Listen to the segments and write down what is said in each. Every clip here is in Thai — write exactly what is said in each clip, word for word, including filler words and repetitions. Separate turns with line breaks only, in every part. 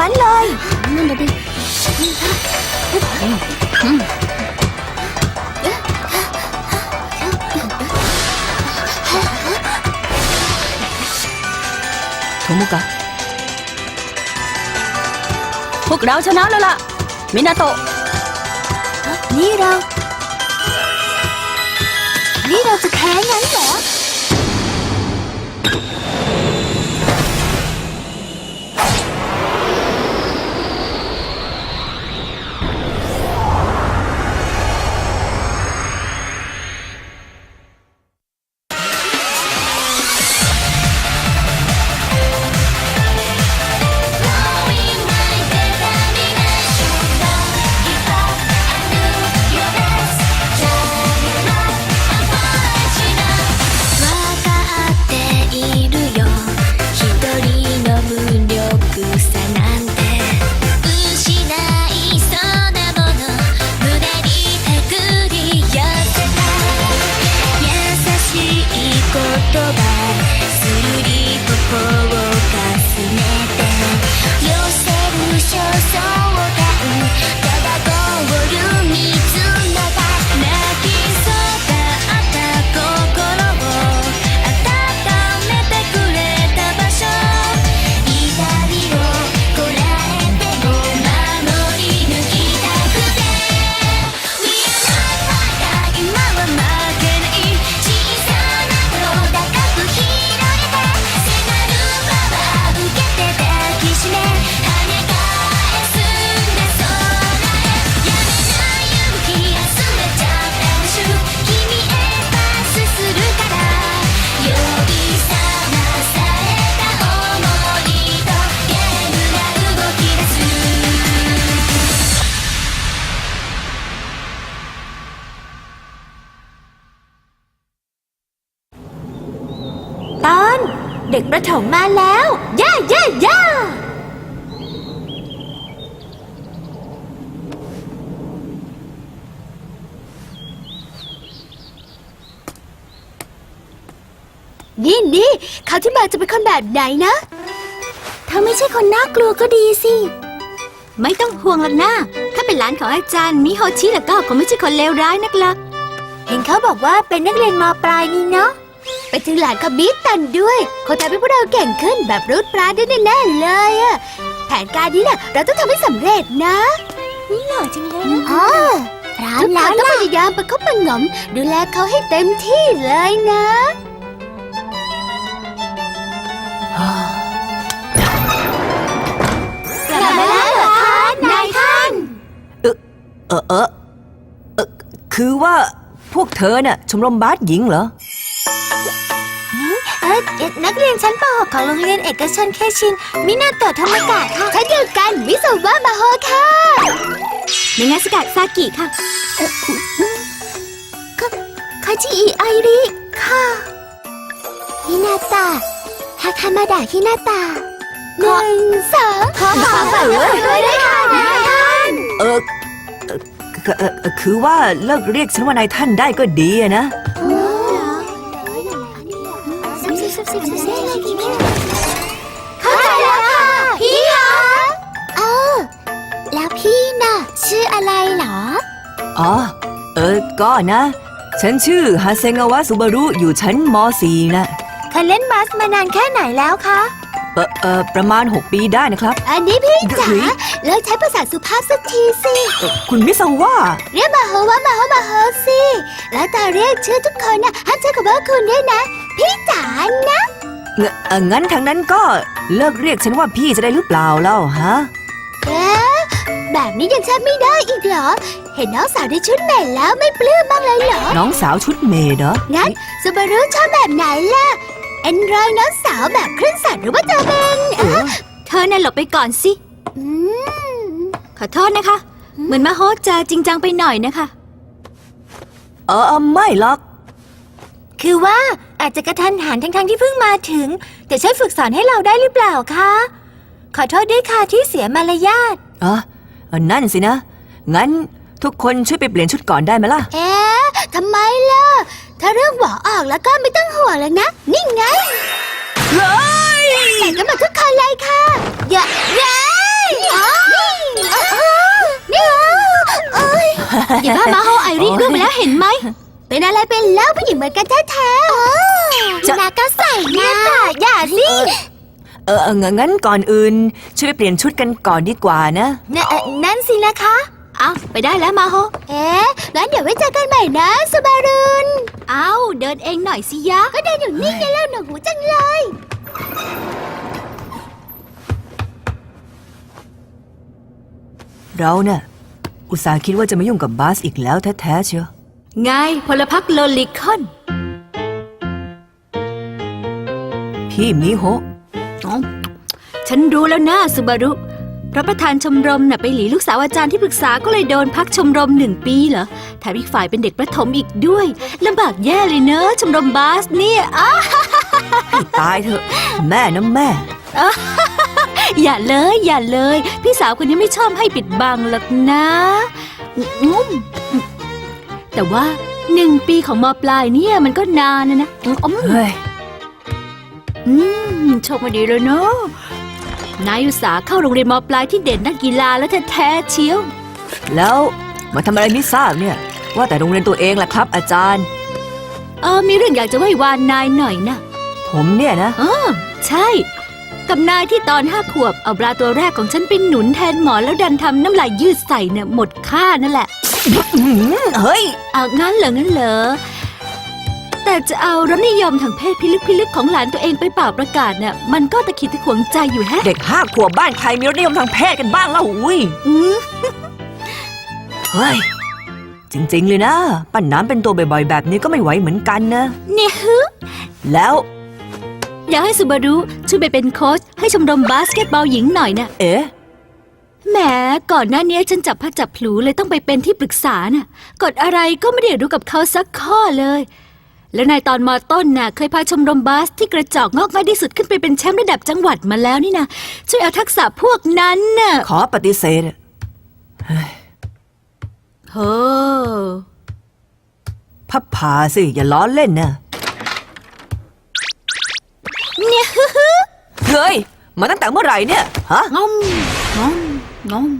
มันเลย
นั่นน่ะดิ
โทมุกะ
พวกเราชนะแล้วล่ะมินาโตะ
นี่เรานี่เราจะแพ้งั้นเหรอเด็กประถมมาแล้วย่าย่าย่านี่นี่เขาที่มาจะเป็นคนแบบไหนนะถ้าไม่ใช่คนน่ากลัวก็ดีสิไม่ต้องห่วงหรอกนะถ้าเป็นหลานของอาจารย์มิโฮชิแล้วก็คงไม่ใช่คนเลวร้ายนักล่ะเห็นเขาบอกว่าเป็นนักเรียนม.ปลายนี่เนาะไปถึงหลานของมิตันด้วยเขาทำให้พวกเราเก่งขึ้นแบบรูดปราดได้แน่ๆเลยอะแผนการนี้น่ะเราต้องทำให้สำเร็จนะนี่หล่อจังเลยนะอ๋อทุกคนต้องพยายามประคบประหงมดูแลเขาให้เต็มที่เลยนะกลับมาแล้วเหรอคะนายท่าน
เออเออเออเออคือว่าพวกเธอน่ะชมรมบาสหญิงเหรอ
เออนักเรียนชั้นป .หก ของโรงเรียนเอกชนเคชินมินาโตะธรรมกะค่ะชั้นเดียวกันมิโซวะมาโฮค่ะในงานสกัดซากิค่ะคาจิอิไอริค่ะฮินาตะฮาคามาดะฮินาตะหนึ่งสองขอขอฝากด้วยด้วยค่ะนายท่าน
เออเออคือว่าเลิกเรียกฉันว่านายท่านได้ก็ดีอะนะ
เข้าใจแล้วค่ะพี่คะเออแล้วพี่น่ะชื่ออะไรเหรอ
อ๋อเออก็นะฉันชื่อฮาเซงาวะซุบารุอยู่ชั้นม.สี่ นะ
เคยเล่นบาสมานานแค่ไหนแล้วคะ
เออเออประมาณหกปีได้นะครับ
อันนี้พี่จ๋าเลิกใช้ภาษาสุภาพสักทีสิ
คุณมิซาวะ
เรียกมาโฮวะมาโฮมาโฮสิแล้วตาเรียกชื่อทุกคนนะห้ามใช้คำว่าคุณด้วยนะพี่จ๋านะ
งั้นทางนั้นก็เลิกเรียกฉันว่าพี่จะได้หรือเปล่าเล่าฮะ
เอ๊ะแบบนี้ยังใช้ไม่ได้อีกเหรอเห็นน้องสาวในชุดเมดแล้วไม่ปลื้มบ้างเลยเหรอ
น้องสาวชุดเมดเหรอ
งั้นซูบารุชอบแบบไหนล่ะเอ็นรอยน้องสาวแบบครึ่งสัตว์หรือว่าจะเป็นเธอน่ะหลบไปก่อนสิขอโทษนะคะเหมือนมาโฮจะจริงจังไปหน่อยนะคะ
เออไม่หรอก
คือว่าอาจจะกระทันหันทั้งๆที่เพิ่งมาถึงแต่ช่วยฝึกสอนให้เราได้หรือเปล่าคะขอโทษด้วยค่ะที่เสียมารยาท
อ๋อนั่นสินะงั้นทุกคนช่วยไปเปลี่ยนชุดก่อนได้ไหมล่ะ
เอ๊ะทำไมล่ะถ้าเรื่องหวอออกแล้วก็ไม่ต้องห่วงแล้วนะนี่ไง
เฮ้ย
ใส่กันหมดทุกคนเลยค่ะเย้เย้อย่าบ้ามาโฮไอรินร่วงไปแล้วเห็นไหม เป็นอะไรเป็นเล่าผู้หญิงเหมือนกันแท้ๆจะนาก็ใส่นะอย่าสิ
เออเอองั้นก่อนอื่น ช่วยไปเปลี่ยนชุดกันก่อนดีกว่านะ
นั่นสินะคะเอาไปได้แล้วมาโฮเอ๊ะงั้นเดี๋ยวไว้เจอกันใหม่นะสบารุนเอาเดินเองหน่อยสิยะก็เดินอยู่นิ่งๆแล้วหนูหูจังเลย
เราเนี่ยอุตส่าห์คิดว่าจะไม่ยุ่งกับบาสอีกแล้วแท้ๆเชียว
ไงพลพรรคโลลิคอน
พี่มิโฮะ
ฉันรู้แล้วนะสุบารุเพราะประธานชมรมน่ะไปหลีลูกสาวอาจารย์ที่ปรึกษาก็เลยโดนพักชมรมหนึ่งปีเหรอแถมอีกฝ่ายเป็นเด็กประถมอีกด้วยลำบากแย่เลยเนอะชมรมบาสเนี่ยอ้า
ให้ตายเถอะ แม่นะแม่
อย่าเลยอย่าเลย พี่สาวคนนี้ไม่ชอบให้ปิดบังหรอกนะอืมแต่ว่าหนึ่งปีของมปลายเนี่ยมันก็นานนะนะอืม
เฮ้ย
อืมโชคมาดีเลยเนาะนายอุตสาห์เข้าโรงเรียนมปลายที่เด่นด้านกีฬาแล้วแท้ๆเชียว
แล้วมาทำอะไรไม่ทราบเนี่ย ว่าแต่โรงเรียนตัวเองล่ะครับ อาจารย์
เออมีเรื่องอยากจะไหว้วานนายหน่อยนะ
ผมเนี่ยนะ
อ๋อใช่ กับนายที่ตอนห้าขวบเอาปลาตัวแรกของฉันไปหนุนแทนหมอนแล้วดันทำน้ำลายยืดใส่เนี่ยหมดค่านั่นแหละ
เฮ้ย
เอางั้นเหรองั้นเหรอแต่จะเอารสนิยมทางเพศพิลึกพิลึกของหลานตัวเองไปเป่าประกาศเนี่ยมันก็ตะขิดตะขวงใจอยู่แฮะ
เด็กห้าขวบบ้านใครมีรสนิยมทางเพศกันบ้างล่ะอุ้ย
อืม
เฮ้ย จริงๆเลยนะ ปั้นน้ำเป็นตัวบ่อยๆแบบนี้ก็ไม่ไหวเหมือนกันนะ
เนี่ยฮึ
แล้ว
อยากให้สุบารุช่วยไปเป็นโค้ชให้ชมรมบาสเกตบอลหญิงหน่อยนะ
เอ๊ะ
แหมก่อนหน้านี้ฉันจับพัดจับผลูเลยต้องไปเป็นที่ปรึกษาน่ะกฎอะไรก็ไม่ได้รู้กับเขาสักข้อเลย แล้วนายตอนมอต้นน่ะเคยพาชมรมบาสที่กระจอกงอกง่ายที่สุดขึ้นไปเป็นแชมป์ระดับจังหวัดมาแล้วนี่นะช่วยเอาทักษะพวกนั้นน่ะ
ขอปฏิเสธ
โอ้
พับผาสิ อย่าล้อเล่นนะ
เนี่ย
เฮ้ย มาตั้งแต่เมื่อไหร่เนี่ย ฮะ
งอมงอมงอม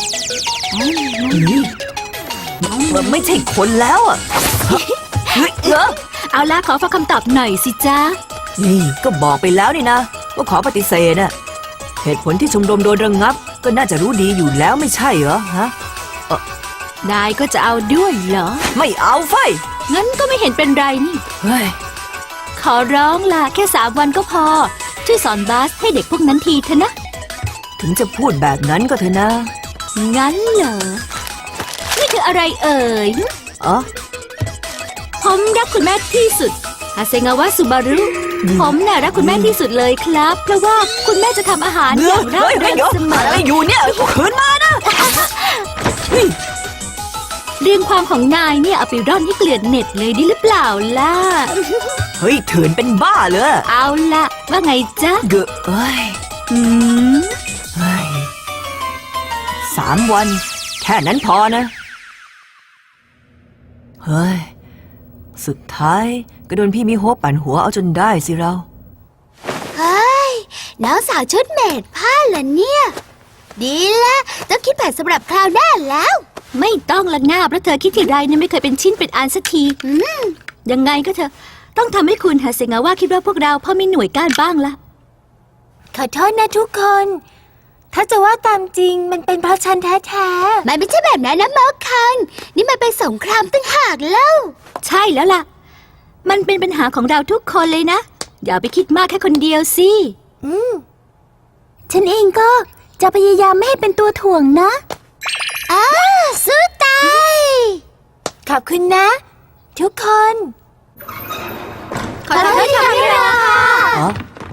นี่มันไม่ใช่คนแล้วอ่ะเฮ้ยเออ
เอาล่ะขอฟังคำตอบหน่อยสิจ๊ะ
นี่ก็บอกไปแล้วนี่นะว่าขอปฏิเสธน่ะเหตุผลที่ชมรมโดนระงับ ก็น่าจะรู้ดีอยู่แล้วไม่ใช่เหรอฮะ
นายก็จะเอาด้วยเหรอ
ไม่เอาไฟ
งั้นก็ไม่เห็นเป็นไรนี่
เฮ้ย
ขอร้องล่ะแค่สามวันก็พอ ช่วยสอนบาสให้เด็กพวกนั้นทีเถอะนะ
ถึงจะพูดแบบนั้นก็เถอะนะ
งั้นเหรอ นี่คืออะไรเอ่ย
อ๋อ
ผมรักคุณแม่ที่สุดฮาเซงาวะสุบารุ ผมน่ะรักคุณแม่ที่สุดเลยครับ เพราะว่าคุณแม่จะทำอาหารอย่างร่า
เฮ้ย
เริ
เฮ้ย
ง
เดี๋ยว
เสมอ
อะไรอยู่เนี่ยคืนมานะเฮ้ย
เรื่องความของนายเนี่ยเอาไปร่อนให้เกลื่อนเน็ตเลยดีหรือเปล่าล่ะ
เฮ้ยเถื่อนเป็นบ้าเลย
เอาล่ะ ว่าไงจ๊ะ
เกอะเอ้ย
อืม
เฮ้ยสามวัน แค่นั้นพอนะ เฮ้ย สุดท้ายก็โดนพี่มิโฮะปั่นหัวเอาจนได้สิเรา
เฮ้ยน้องสาวชุดเมดผ้าเหรอเนี่ย ดีละต้องคิดแผนสำหรับคราวหน้าแล้ว
ไม่ต้องละง่าเพราะเธอคิดทีไรเนี่ยไม่เคยเป็นชิ้นเป็นอันสักที
อืม
ยังไงก็เถอะต้องทำให้คุณฮาเซงาวะคิดว่าพวกเราพอมีหน่วยก้านบ้างละ
ขอโทษนะทุกคน ถ้าจะว่าตามจริงมันเป็นเพราะฉันแท้ๆมันไม่ใช่แบบนั้นนะมอคัน นี่มันเป็นสงครามตั้งหากแล้ว
ใช่แล้วล่ะ มันเป็นปัญหาของเราทุกคนเลยนะ อย่าไปคิดมากแค่คนเดียวสิ
อืม ฉันเองก็จะพยายามไม่ให้เป็นตัวถ่วงนะอ้าสู้ตาย ขอบคุณนะ ทุกคน
ขอโทษที่ทำให้เรา
อ๋อ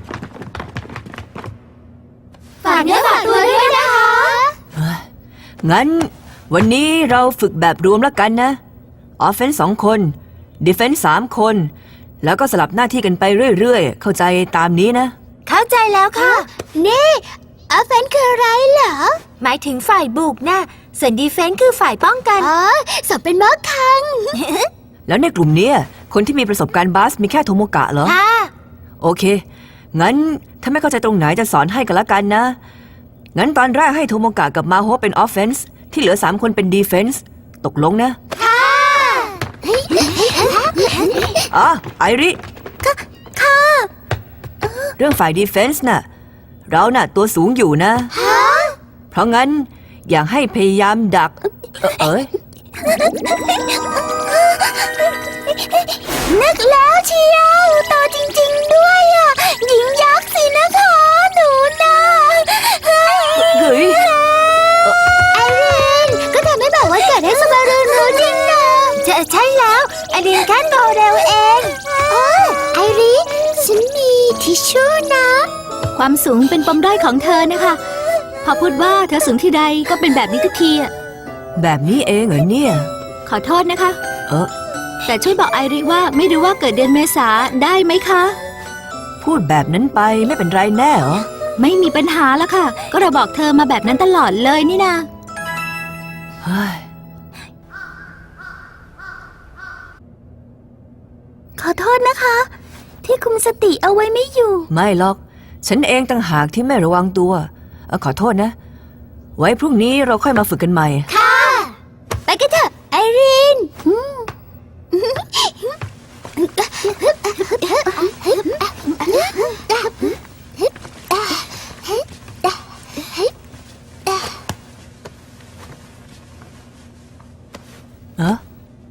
ฝากเนื้อฝากตัวด้วยนะคะ
งั้นวันนี้เราฝึกแบบรวมแล้วกันนะออฟเฟนส์สองคนดีเฟนส์สามคน แล้วก็สลับหน้าที่กันไปเรื่อยๆ เข้าใจตามนี้นะ
เข้าใจแล้วค่ะ นี่ออฟเฟนคืออะไรเหรอ หมายถึงฝ่ายบุกนะส่วนดีเฟนส์คือฝ่ายป้องกัน อ๋อสอบเป็นมอคัง
แล้วในกลุ่มเนี้ยคนที่มีประสบการณ์บาสมีแค่โทโมกะเหรอ
ค่ะ
โอเค งั้นถ้าไม่เข้าใจตรงไหนจะสอนให้กันละกันนะงั้นตอนแรกให้โทโมกะกับมาโฮเป็นออฟเฟนส์ที่เหลือสามคนเป็นดีเฟนส์ตกลงนะอ๋อไอริค่ะเรื่องฝ่ายดีเฟนส์น่ะเราน่ะตัวสูงอยู่นะเพราะงั้นอยากให้พยายามดัก เอ่อเอ้ย
นึกแล้วเชียวโตจริงๆด้วยอ่ะหญิงยักษ์สินะคะหนูนะ
เฮ้ย
ไอรินก็ทำให้บอกว่าเกิดให้สบารุรู้จริงนะจะใช่แล้วไอรินแค่โตเร็วเองโอ้ไอรินฉันมีทิชชู่นะ
ความสูงเป็นปมด้อยของเธอนะคะพอพูดว่าเธอสูงที่ใดก็เป็นแบบนี้ทุกทีอะ
แบบนี้เองเหรอเนี่ย
ขอโทษนะคะ
เออ
แต่ช่วยบอกไอริว่าไม่รู้ว่าเกิดเดือนเมษาได้ไหมคะ
พูดแบบนั้นไปไม่เป็นไรแน่เหรอ
ไม่มีปัญหาแล้วค่ะ ก็เราบอกเธอมาแบบนั้นตลอดเลยนี่นา
เฮ้ย
ขอโทษนะคะ ที่คุมสติเอาไว้ไม่อยู่
ไม่หรอกฉันเองต่างหากที่ไม่ระวังตัวเออขอโทษนะ ไว้พรุ่งนี้เราค่อยมาฝึกกันใหม่
ค่ะไปกันเถอะไอริน
เออ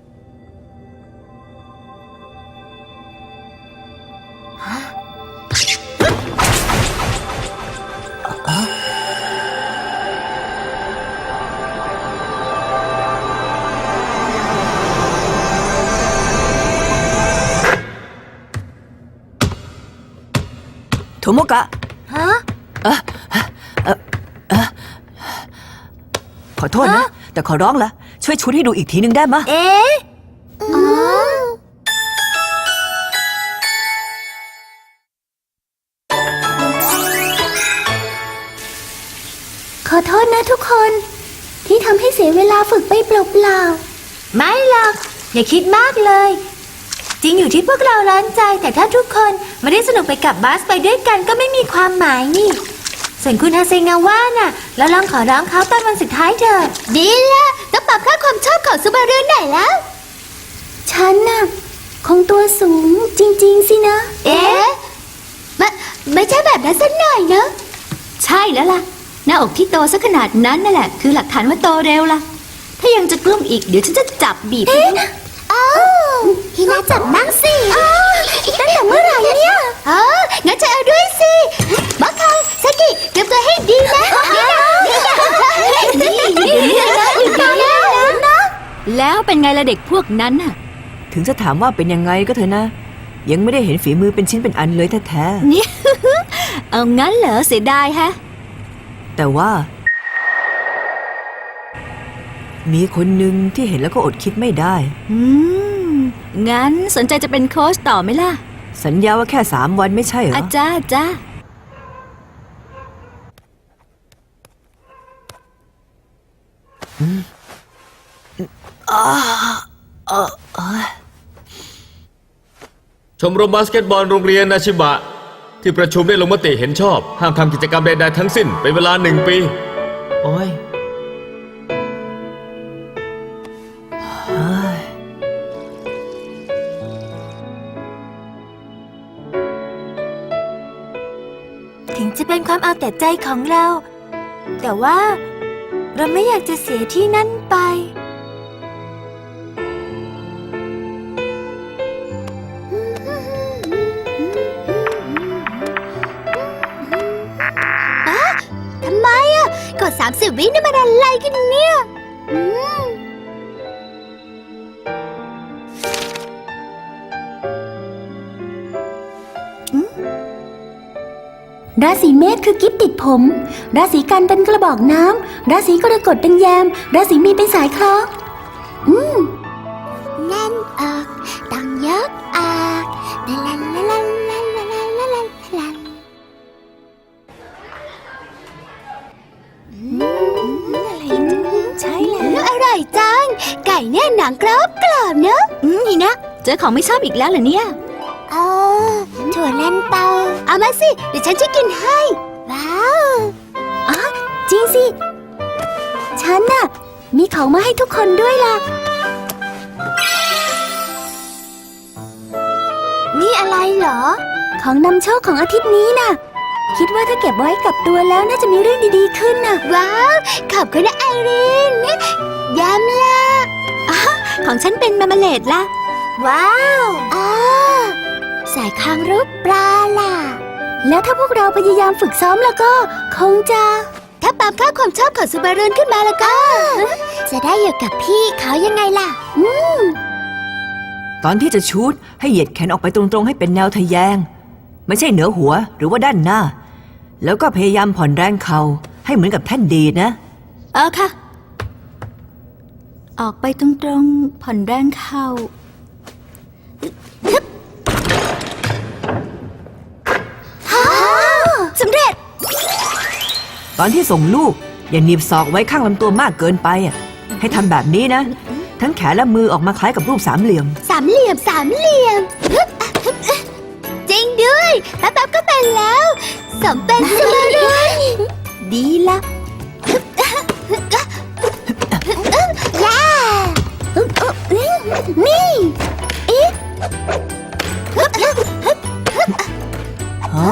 โทโมกะ
ฮะ
เออเออเออขอโทษนะ แต่ขอร้องละช่วยชุดให้ดูอีกทีนึงได้มะ
เอ๊ะอ๋อขอโทษนะทุกคนที่ทำให้เสียเวลาฝึกไปเปล่าๆไม่หรอกอย่าคิดมากเลยจริงอยู่ที่พวกเราร้อนใจแต่ถ้าทุกคนไม่ได้สนุกไปกับบัสไปด้วยกันก็ไม่มีความหมายนี่ส่วนคุณฮาเซงาว่าน่ะเราลองขอร้องเขาตอนวันสุดท้ายเถอะดีละต้องปรับค่าความชอบของซูบารุหน่อยแล้วฉันน่ะคงตัวสูงจริงๆสินะเอ๊ะไม่ไม่ใช่แบบนั้นสักหน่อยนะ
ใช่แล้วล่ะหน้าอกที่โตซะขนาดนั้นนั่นแหละคือหลักฐานว่าโตเร็วล่ะถ้ายังจะกลุ้มอีกเดี๋ยวฉันจะจับบีบให้ดู
อ้าวฮินาจับนั่งสิตั้งแต่เมื่อไหร่เนี่ยอ๋องั้นจะเอาด้วยสิบัคคังซากิเตรียมตัวให้ดีนะนี่นี่นะอยู่ตรงนี้นะ
แล้วเป็นไงล่ะเด็กพวกนั้นน่ะ
ถึงจะถามว่าเป็นยังไงก็เถอะนะ ยังไม่ได้เห็นฝีมือเป็นชิ้นเป็นอันเลยแท้
นี่ เอางั้นเหรอเสียดายฮะ
ๆแต่ว่า มีคนหนึ่งที่เห็นแล้วก็อดคิดไม่ได้
อืมงั้นสนใจจะเป็นโค้ชต่อไหมล่ะ
สัญญาว่าแค่สามวันไม่ใช่เหรอ
อาจ้าจ้า
ชมรมบาสเกตบอลโรงเรียนนาชิบะที่ประชุมได้ลงมติเห็นชอบห้ามทำกิจกรรมใดๆทั้งสิ้นเป็นเวลาหนึ่งปีโอ้ย
เฮ้ย
ถึงจะเป็นความเอาแต่ใจของเรา แต่ว่าเราไม่อยากจะเสียที่นั่นไปทำไมอ่ะกดสามสิบวินี่มันอะไรกันเนี่ยราศีเมษคือกิ๊บติดผม ราศีกันเป็นกระบอกน้ำ ราศีกรกฎเป็นแยม ราศีมีนเป็นสายคล้องอืมแน่นออกต้องยกออกลาลาลาลาลาลาลาลาลาลาใช่แล้วอร่อยจัง ไก่เนี่ยหนังกรอบกรอบเนอะ
อืมนี่นะเจอของไม่ชอบอีกแล้วเหรอเนี่ย
อ๋อถั่วลันเตาเอามาสิ เดี๋ยวฉันจะกินให้ ว้าว อ๋อ
จริงสิ ฉันน่ะ มีของมาให้ทุกคนด้วยล่ะ นี่อะไรเหรอ ของนำโชคของอาทิตย์นี้น่ะ คิดว่าถ้าเก็บไว้กับตัวแล้วน่าจะมีเรื่องดีๆขึ้นน่ะ ว้าว ขอบคุณนะไอรีนยำละของฉันเป็นมาร์เมเลดล่ะ ว้าวอ๋อสายคางรูปปลาล่ะ แล้วถ้าพวกเราพยายามฝึกซ้อมแล้วก็คงจะ ถ้าปรับค่าความชอบของซูบารุนขึ้นมาแล้วก็ จะได้อยู่กับพี่เขายังไงล่ะ อืม
ตอนที่จะชูตให้เหยียดแขนออกไปตรงๆให้เป็นแนวทะแยง ไม่ใช่เหนือหัวหรือว่าด้านหน้า แล้วก็พยายามผ่อนแรงเข่าให้เหมือนกับแท่นดีดนะ
เออค่ะ ออกไปตรงๆ ผ่อนแรงเข่า
สำเร็จ
ตอนที่ส่งลูกอย่าหนีบศอกไว้ข้างลำตัวมากเกินไปอ่ะให้ทำแบบนี้นะ ทั้งแขนและมือออกมาคล้ายกับรูปสามเหลี่ยม
สามเหลี่ยมสามเหลี่ยม จริงด้วยแป๊บๆก็เป็นแล้วสมเป็นซูบารุนดีละย่านี่อีก
ฮะ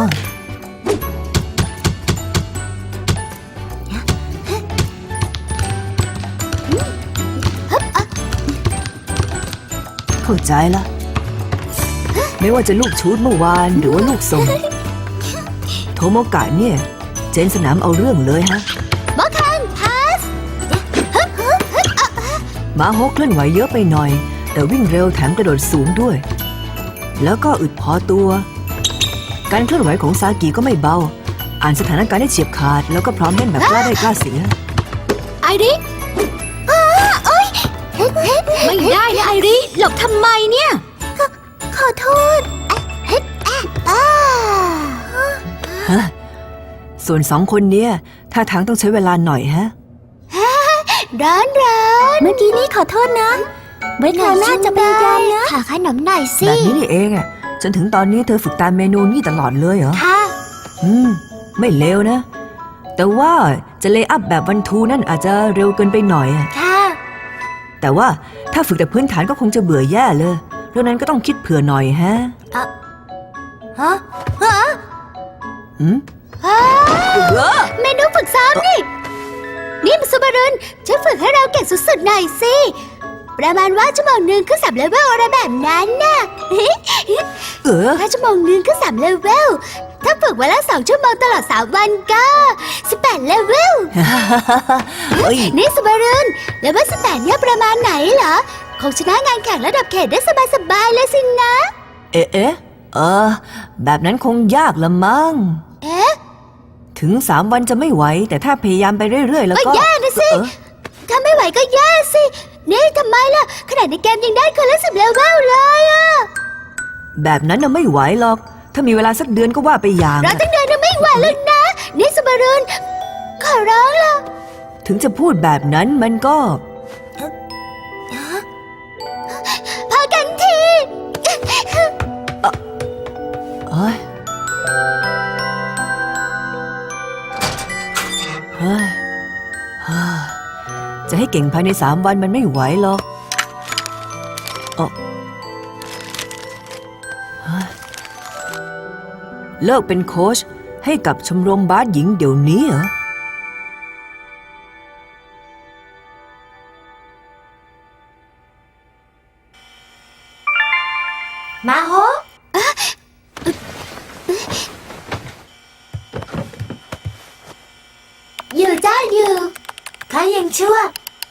เข้าใจละ ไม่ว่าจะลูกชูดเมื่อวานหรือว่าลูกส่ง โทโมกะเนี่ย เจนสนามเอาเรื่องเลยฮะ
บอคันพาส
มาฮกเคลื่อนไหวเยอะไปหน่อย แต่วิ่งเร็วแถมกระโดดสูงด้วย แล้วก็อึดพอตัว การเคลื่อนไหวของซากิก็ไม่เบา อ่านสถานการณ์ได้เฉียบขาด แล้วก็พร้อมเล่นแบบกล้าได้กล้าเสีย
ไอริไม่ได้นะไอริหลบทำไมเนี่ย ขอโทษ
ฮะ ส่วนสองคนเนี้ยท่าทางต้องใช้เวลาหน่อยฮะ
ร้อนร้อนเมื่อกี้นี้ขอโทษนะไว้คราวหน้าจะพยายามนะขอขนมหน่อยสิ
แบบนี้นี่เองอ่ะ จนถึงตอนนี้เธอฝึกตามเมนูนี่ตลอดเลยเหรอ
ค่ะ
อืม ไม่เลวนะ แต่ว่าจะเลย์อัพแบบวันทูนั่นอาจจะเร็วเกินไปหน่อยอะ
ค่ะ
แต่ว่าถ้าฝึกแต่พื้นฐานก็คงจะเบื่อแย่เลยเรื่องนั้นก็ต้องคิดเผื่อหน่อยฮะ
ฮะ ฮะ
อืม
เมนูฝึกซ้อมนี่ นี่มันซูบารุนช่วยฝึกให้เราเก่งสุดๆหน่อยสิ ประมาณว่าชั่วโมงหนึ่งขึ้นสามเลเวลอะไรแบบนั้นน่ะ
เออ
ถ้าชั่วโมงหนึ่งขึ้นสามเลเวล ถ้าฝึกวันละสองชั่วโมงตลอดสามวันก็สิบแปดเลเวล
เฮ้ย
นี่ซูบารุนเลเวลสิบแปดเนี่ยประมาณไหนเหรอ คงชนะงานแข่งระดับเขตได้สบายๆเลยสินะ
เอ๊ะเอ๊ะเออ แบบนั้นคงยากละมั้ง
เอ๊ะ
ถึงสามวันจะไม่ไหว แต่ถ้าพยายามไปเรื่อยๆ แล้วก็
ก็แย่นะสิ
เออ
ถ้าไม่ไหวก็แย่สิ นี่ทำไมล่ะ ขนาดในเกมยังได้คนละสิบเลเวลเลยอะ
แบบนั้นน่ะไม่ไหวหรอก ถ้ามีเวลาสักเดือนก็ว่าไปอย่าง
เราตั้งเดือนยังไม่ไหวแล้วนะ นี่ซูบารุนขอร้องล่ะ
ถึงจะพูดแบบนั้นมันก็
พอกันที
เอ้ยเฮ้ยเฮ้ยจะให้เก่งภายในสามวันมันไม่ไหวหรอกเอ้อเฮ้ยเลิกเป็นโค้ชให้กับชมรมบาสหญิงเดี๋ยวนี้เหรอ
มาโฮอยู่จ้าอยู่ข้ายังชั่ว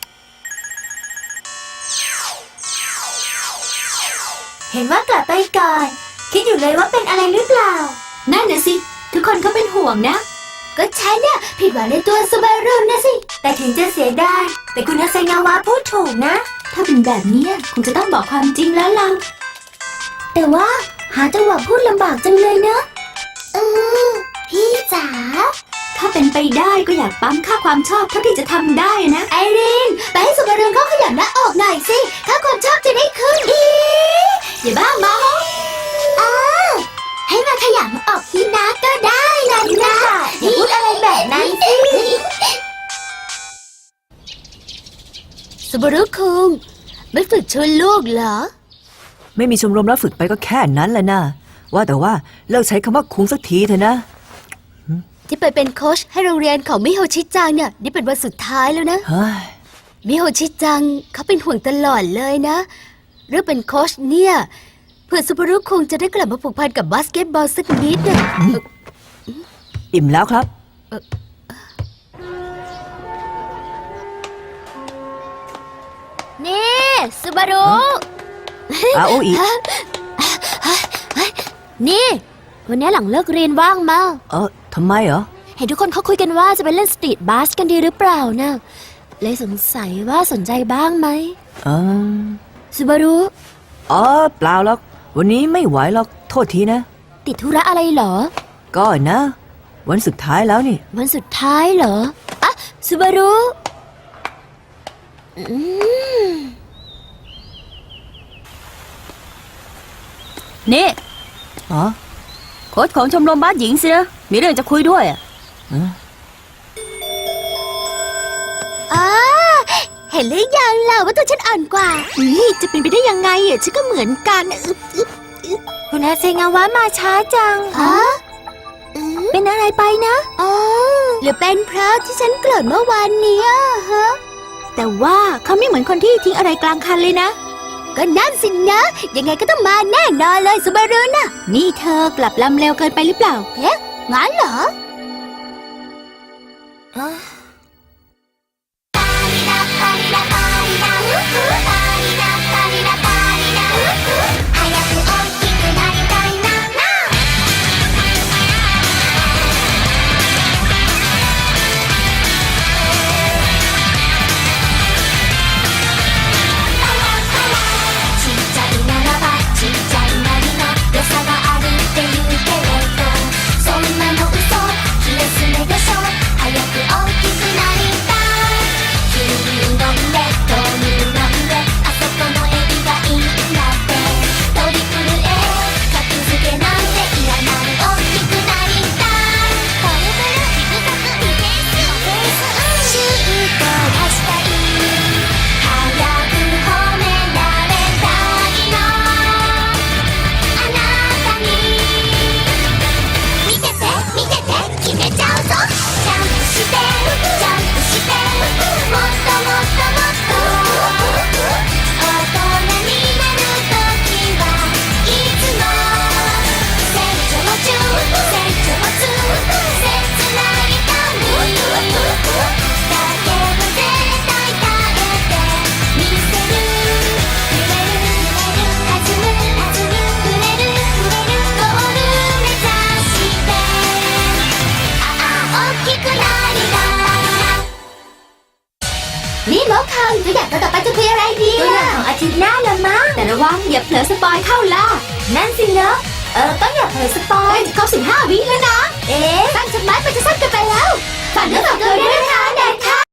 เห็นว่ากลับไปก่อน คิดอยู่เลยว่าเป็นอะไรหรือเปล่า
นั่นน่ะสิ ทุกคนก็เป็นห่วงนะ ก็ฉันเนี่ยผิดหวังในตัวซูบารุนนะสิ
แต่ถึงจะเสียดายแต่คุณอาไซงาวะพูดถูกนะ
ถ้าเป็นแบบนี้คงจะต้องบอกความจริงแล้วล่ะ แต่ว่าหาจังหวะพูดลำบากจังเลยเนอะเออพี่จ๋า ถ้าเป็นไปได้ก็อยากปั๊มค่าความชอบเท่าที่จะทำได้นะ ไอรีน ไปให้สุบารุนเขาขยันหน้าออกหน่อยสิ ค่าความชอบจะได้ขึ้นอีอย่าบ้ามาอ้าให้มาขยันออกที่น้าก็ได้นะนะ
อย่าพูดอะไรแบบนั้นสิ
บารุคุงไม่ฝึกชวนลูกเหรอ
ไม่มีชมรมแล้วฝึกไปก็แค่นั้นแหละนะว่าแต่ว่าเลิกใช้คำว่าคุงสักทีเถอะนะ
ที่ไปเป็นโค้ชให้โรงเรียนของมิโฮชิจังเนี่ยนี่เป็นวันสุดท้ายแล้วนะ
เฮ้ย
มิโฮชิจังเขาเป็นห่วงตลอดเลยนะเรื่องเป็นโค้ชเนี่ยเพื่อซูบารุคุงจะได้กลับมาผูกพันกับบาสเกตบอลสักนิดน่ะ
อิ่มแล้วครับ
นี่ซูบารุ
อาโออี
นี่ วันนี้หลังเลิกเรียนว่างมา
เออทำไมเหรอ
เห็นทุกคนเขาคุยกันว่าจะไปเล่นสตรีทบาสกันดีหรือเปล่านะเลยสงสัยว่าสนใจบ้างไหม
เออ
ซูบารุ
อ๋อเปล่าหรอกวันนี้ไม่ไหวหรอกโทษทีนะ
ติดธุระอะไรเหรอ
ก็นะ วันสุดท้ายแล้วนี่
วันสุดท้ายเหรออะซูบารุอืม
นี่
อ๋อ
โค้ชของชมรมบาสหญิงสินะ มีเรื่องจะคุยด้วยอะ
อ๋อเห็นหรือยังล่ะว่าตัวฉันอ่อนกว่านี่จะเป็นไปได้ยังไงอ่ะฉันก็เหมือนกันอึ๊บอึ๊บอึ๊บคุณอาเซงาวะมาช้าจังฮะเป็นอะไรไปนะอ๋อหรือเป็นเพราะที่ฉันโกรธเมื่อวานเนี้ยฮะ
แต่ว่าเขาไม่เหมือนคนที่ทิ้งอะไรกลางคันเลยนะ
ก็นั่นสินะ ยังไงก็ต้องมาแน่นอนเลยซูบารุน่ะ
นี่เธอกลับลำเร็วเกินไปหรือเปล่า
เอ๊ะงั้นเหรอ
ちっちゃいならばちっちゃいなりの良さがあるって言うけれどそんなの嘘気休めでしょ早く大きくなりたい牛乳飲んで豆乳飲んであそこのエビがいいんだってトリプル A 格付けなんていらない大きくなりたいトリプルジグザグディフェンスシュート出したい早く褒められたいのあなたに見てて見てて決めちゃうぞジャンプしてジャンプしてもっともっともっと大人になるときはいつも成長中成長中切ない髪だけど絶対耐えて見せる揺れる揺れる弾む弾む触れる触れるゴール目指してああ大きくなりたい
นี่หมอคังตัวอย่างต่อไปจะคุยอะไรดี
ตัวอย่างของอาทิตย์หน้าละมั้ง
แต่ระวังอย่าเผลอสปอยเข้าล่ะ
นั่นสิเนอะเออต้องอย่าเผยสปอย
จะครบสิบห้าวิแล้วนะ
เอ๊ะ
ตั้งฉันไม้ไปจะสั้นเกันไปแล้วฝากเนื้อฝากตัวด้วยนะคะแดนค่ะ